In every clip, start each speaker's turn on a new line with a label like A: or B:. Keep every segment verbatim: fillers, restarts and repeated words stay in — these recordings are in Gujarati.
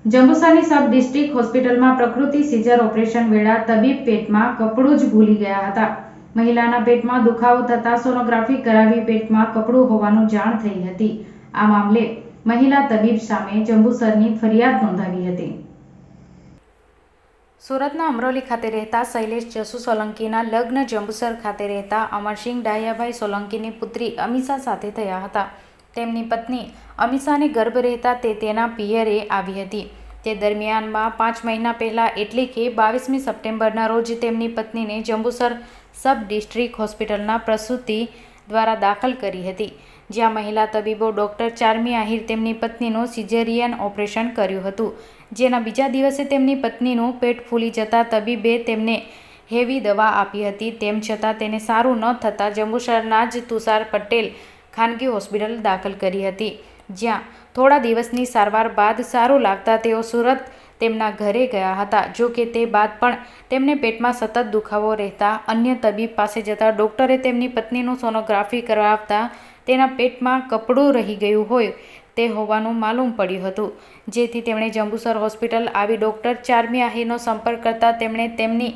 A: જંબુસરની સબ ડિસ્ટ્રિક્ટ હોસ્પિટલમાં પ્રકૃતિ સિઝર ઓપરેશન વેળા તબીબ પેટમાં કપડું જ ભૂલી ગયા હતા. મહિલાના પેટમાં દુખાવો થતાં સોનોગ્રાફી કરાવી પેટમાં કપડું હોવાનું જાણ થઈ હતી. આ મામલે મહિલા તબીબ સામે જંબુસરની ફરિયાદ નોંધાવી હતી. સુરતના અમરોલી ખાતે રહેતા શૈલેષ જસુ સોલંકીના લગ્ન જંબુસર ખાતે રહેતા અમરસિંહ ડાહિયાભાઈ સોલંકીની પુત્રી અમીષા સાથે થયા હતા. તેમની પત્ની અમીષાને ગર્ભ રહેતા તે તેના પિયરે આવી હતી. તે દરમિયાનમાં પાંચ મહિના પહેલા એટલે કે બાવીસમી સપ્ટેમ્બરના રોજ તેમની પત્નીને જંબુસર સબ ડિસ્ટ્રિક્ટ હોસ્પિટલના પ્રસૂતિ દ્વારા દાખલ કરી હતી, જ્યાં મહિલા તબીબો ડોક્ટર ચાર્મી આહિર તેમની પત્નીનું સિઝેરિયન ઓપરેશન કર્યું હતું. જેના બીજા દિવસે તેમની પત્નીનું પેટ ફૂલી જતાં તબીબે તેમને હેવી દવા આપી હતી. તેમ છતાં તેને સારું ન થતાં જંબુસરના જ તુષાર પટેલ ખાનગી હોસ્પિટલ દાખલ કરી હતી, જ્યાં થોડા દિવસની સારવાર બાદ સારું લાગતા તેઓ સુરત તેમના ઘરે ગયા હતા. જો કે તે બાદ પણ તેમને પેટમાં સતત દુખાવો રહેતા અન્ય તબીબ પાસે જતા ડોક્ટરે તેમની પત્નીનું સોનોગ્રાફી કરાવતા તેના પેટમાં કપડું રહી ગયું હોય તે હોવાનું માલુમ પડ્યું હતું, જેથી તેમણે જંબુસર હોસ્પિટલ આવી ડોક્ટર ચાર્મી આહિરનો સંપર્ક કરતા તેમણે તેમની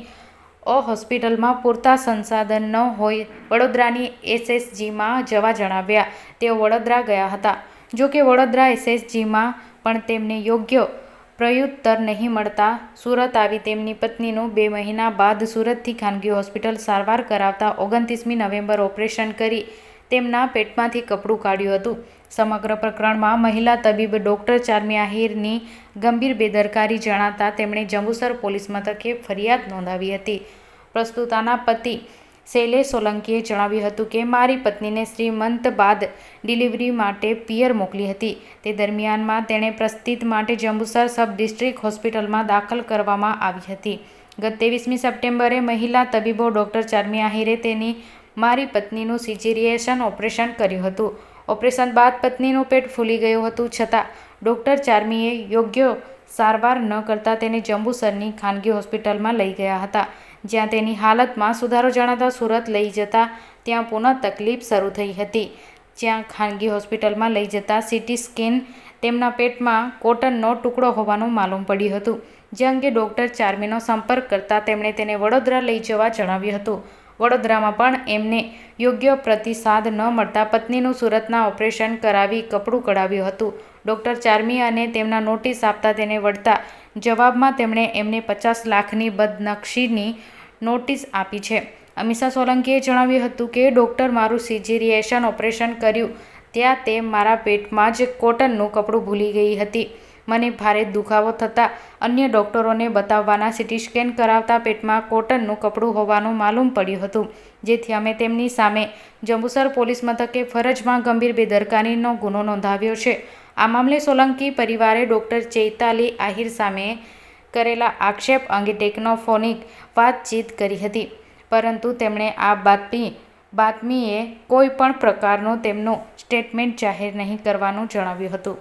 A: અ હોસ્પિટલમાં પૂરતા સંસાધન ન હોય વડોદરાની એસએસજીમાં જવા જણાવ્યા. તેઓ વડોદરા ગયા હતા. જો કે વડોદરા એસએસજીમાં પણ તેમને યોગ્ય પ્રત્યુત્તર નહીં મળતા સુરત આવી તેમની પત્નીનું બે મહિના બાદ સુરતથી ખાનગી હોસ્પિટલ સારવાર કરાવતા ઓગણત્રીસમી નવેમ્બર ઓપરેશન કરી તેમના પેટમાંથી કપડું કાઢ્યું હતું. સમગ્ર પ્રકરણમાં મહિલા તબીબ ડોક્ટર ચાર્મી આહિરની ગંભીર બેદરકારી જણાતા તેમણે જંબુસર પોલીસ મથકે ફરિયાદ નોંધાવી હતી. પ્રસ્તુતાના પતિ શૈલેષ સોલંકીએ જણાવ્યું હતું કે મારી પત્નીને શ્રીમંત બાદ ડિલિવરી માટે પિયર મોકલી હતી. તે દરમિયાનમાં તેણે પ્રસ્તુતિ માટે જંબુસર સબ ડિસ્ટ્રિક્ટ હોસ્પિટલમાં દાખલ કરવામાં આવી હતી. ગત ત્રેવીસમી સપ્ટેમ્બરે મહિલા તબીબો ડોક્ટર ચાર્મી આહિરે તેની મારી પત્નીનું સિઝેરિયન ઓપરેશન કર્યું હતું. ઓપરેશન બાદ પત્નીનું પેટ ફૂલી ગયું હતું, છતાં ડોક્ટર ચાર્મીએ યોગ્ય સારવાર ન કરતા તેને જંબુસરની ખાનગી હોસ્પિટલમાં લઈ ગયા હતા, જ્યાં તેની હાલતમાં સુધારો જણાતા સુરત લઈ જતા ત્યાં પુનઃ તકલીફ શરૂ થઈ હતી. જ્યાં ખાનગી હોસ્પિટલમાં લઈ જતા સીટી સ્કેન તેમના પેટમાં કોટનનો ટુકડો હોવાનું માલુમ પડ્યું હતું. જે અંગે ડોક્ટર ચાર્મીનો સંપર્ક કરતા તેમણે તેને વડોદરા લઈ જવા જણાવ્યું હતું. વડોદરામાં પણ એમને યોગ્ય પ્રતિસાદ ન મળતા પત્નીનું સુરતના ઓપરેશન કરાવી કપડું કઢાવ્યું હતું. ડોક્ટર ચાર્મી અને તેમના નોટિસ આપતા તેને વળતા જવાબમાં તેમણે એમને પચાસ લાખની બદનક્ષીની નોટિસ આપી છે. અમીષા સોલંકીએ જણાવ્યું હતું કે ડૉક્ટર મારું સિઝેરિયન ઓપરેશન કર્યું ત્યાં તે મારા પેટમાં જ કોટનનું કપડું ભૂલી ગઈ હતી. મને ભારે દુખાવો થતાં અન્ય ડૉક્ટરોને બતાવવાના સીટી સ્કેન કરાવતા પેટમાં કોટનનું કપડું હોવાનું માલુમ પડ્યું હતું, જેથી અમે તેમની સામે જંબુસર પોલીસ મથકે ફરજમાં ગંભીર બેદરકારીનો ગુનો નોંધાવ્યો છે. આ મામલે સોલંકી પરિવારે ડોક્ટર ચૈતાલી આહિર સામે કરેલા આક્ષેપ અંગે ટેકનોફોનિક વાતચીત કરી હતી, પરંતુ તેમણે આ બાતમી બાતમીએ કોઈ પણ પ્રકારનું તેમનું સ્ટેટમેન્ટ જાહેર નહીં કરવાનું જણાવ્યું હતું.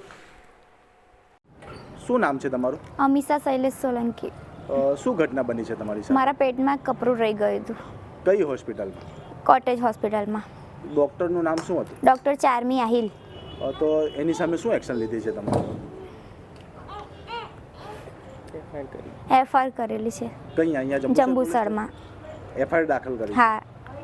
B: શું નામ છે તમારું?
C: અમીષા શૈલેષ સોલંકી.
B: શું ઘટના બની છે તમારી સાથે?
C: મારા પેટમાં કપડું રહી ગયું હતું.
B: કઈ હોસ્પિટલમાં?
C: કોટેજ હોસ્પિટલમાં.
B: ડૉક્ટરનું નામ શું હતું?
C: ડૉક્ટર ચાર્મી આહિર.
B: તો એની સામે શું એક્શન લીધી છે તમારે?
C: એફઆઈઆર કરેલી છે.
B: કઈ અહીંયા
C: જંબુસરમાં
B: એફઆઈઆર દાખલ કરી?
C: હા.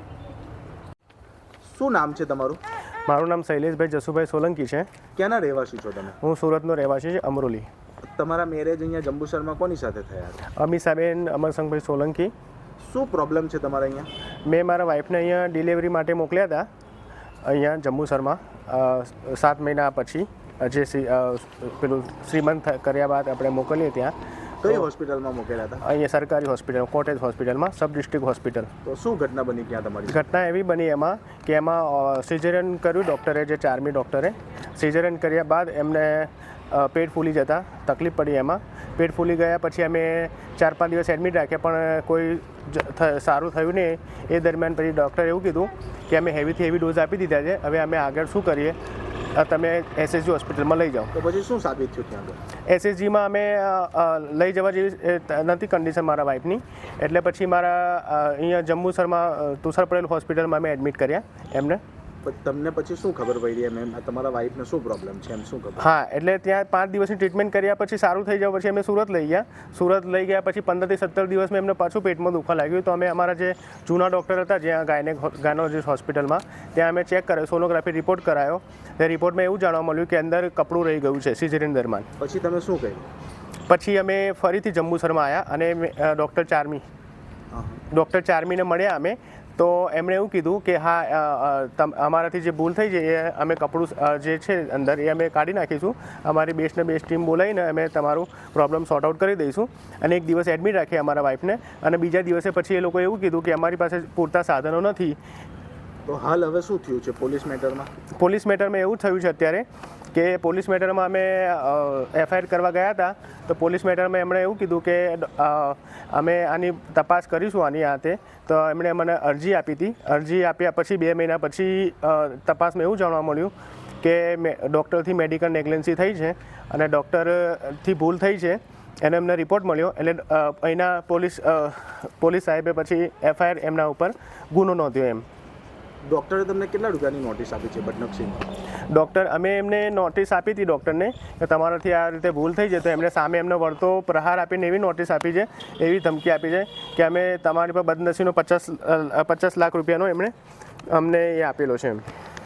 B: શું નામ છે તમારું?
D: મારું નામ શૈલેષભાઈ જસુભાઈ સોલંકી છે.
B: ક્યાંના રહેવાસી છો તમે?
D: હું સુરતનો રહેવાસી છે, અમરોલી.
B: તમારા મેરેજ અહીંયા જંબુસરમાં કોની સાથે થયા હતા?
D: અમીષાબેન અમરસંગભાઈ સોલંકી.
B: શું પ્રોબ્લેમ છે તમારા અહીંયા?
D: મેં મારા વાઈફને અહીંયા ડિલિવરી માટે મોકલ્યા હતા અહીંયા જંબુસરમાં સાત મહિના પછી, જે પેલું શ્રીમંત કર્યા બાદ આપણે મોકલીએ ત્યાં.
B: કઈ હોસ્પિટલમાં મોકલ્યા હતા?
D: અહીંયા સરકારી હોસ્પિટલ, કોટેજ હોસ્પિટલમાં, સબ ડિસ્ટ્રિક્ટ હોસ્પિટલ.
B: તો શું ઘટના બની ક્યાં તમારી?
D: ઘટના એવી બની એમાં કે એમાં સિઝેરિયન કર્યું ડૉક્ટરે, જે ચાર્મી ડૉક્ટરે. સિઝેરિયન કર્યા બાદ એમને પેટ ફૂલી જતાં તકલીફ પડી. એમાં પેટ ફૂલી ગયા પછી અમે ચાર પાંચ દિવસ એડમિટ રાખ્યા, પણ કોઈ સારું થયું નહીં. એ દરમિયાન પછી ડૉક્ટરે એવું કીધું કે અમે હેવીથી હેવી ડોઝ આપી દીધા છે, હવે અમે આગળ શું કરીએ, તમે એસએસજી હોસ્પિટલમાં લઈ જાઓ.
B: તો પછી શું સાબિત થયું ત્યાં?
D: એસએસજીમાં અમે લઈ જવા જેવી નથી કન્ડિશન મારા વાઈફની, એટલે પછી મારા અહીંયા જંબુસરમાં તુષાર પટેલ હોસ્પિટલમાં અમે એડમિટ કર્યા એમને.
B: પણ તમને પછી શું ખબર પડી એમ એમ તમારા વાઈફને શું પ્રોબ્લેમ છે એમ શું ખબર?
D: હા, એટલે ત્યાં પાંચ દિવસની ટ્રીટમેન્ટ કર્યા પછી સારું થઈ જાય પછી અમે સુરત લઈ ગયા. સુરત લઈ ગયા પછી પંદરથી સત્તર દિવસમાં એમને પાછું પેટમાં દુખવા લાગ્યું. તો અમે અમારા જે જૂના ડૉક્ટર હતા જ્યાં ગાયનેક ગાયનોલોજીસ્ટ હોસ્પિટલમાં ત્યાં અમે ચેક કર્યો, સોનોગ્રાફી રિપોર્ટ કરાયો. તે રિપોર્ટમાં એવું જાણવા મળ્યું કે અંદર કપડું રહી ગયું છે સિઝેરિયન દરમિયાન.
B: પછી તમે શું કહ્યું?
D: પછી અમે ફરીથી જંબુસરમાં આવ્યા અને ડૉક્ટર ચારમી ડૉક્ટર ચારમીને મળ્યા અમે. તો એમણે એવું કીધું કે હા, અમારાથી જે ભૂલ થઈ છે એ અમે કપડું જે છે અંદર એ અમે કાઢી નાખીશું. અમારી બેસ્ટને બેસ્ટ ટીમ બોલાવીને અમે તમારું પ્રોબ્લેમ સોર્ટ આઉટ કરી દઈશું. અને એક દિવસ એડમિટ રાખીએ અમારા વાઈફને. અને બીજા દિવસે પછી એ લોકોએ એવું કીધું કે અમારી પાસે પૂરતા સાધનો નથી.
B: તો હાલ હવે શું થયું છે પોલીસ મેટરમાં?
D: પોલીસ મેટરમાં એવું થયું છે અત્યારે કે પોલીસ મેટરમાં અમે એફઆઈઆર કરવા ગયા હતા. તો પોલીસ મેટરમાં એમણે એવું કીધું કે અમે આની તપાસ કરીશું આની હાથે. તો એમણે મને અરજી આપી હતી. અરજી આપ્યા પછી બે મહિના પછી તપાસમાં એવું જાણવા મળ્યું કે ડૉક્ટરથી મેડિકલ નેગ્લેન્સી થઈ છે અને ડૉક્ટરથી ભૂલ થઈ છે એને એમને રિપોર્ટ મળ્યો. એટલે અહીંના પોલીસ પોલીસ સાહેબે પછી એફઆઈઆર એમના ઉપર ગુનો નોંધ્યો. એમ
B: ડૉક્ટરે તમને કેટલા રૂપિયાની નોટિસ આપી છે બદનક્ષીની?
D: ડૉક્ટર અમે એમને નોટિસ આપી હતી ડૉક્ટરને કે તમારાથી આ રીતે ભૂલ થઈ છે. તો એમણે સામે એમનો વળતો પ્રહાર આપીને એવી નોટિસ આપી છે, એવી ધમકી આપી છે કે અમે તમારી પર બદનસીનો પચાસ પચાસ લાખ રૂપિયાનો એમણે અમને એ આપેલો છે. એમ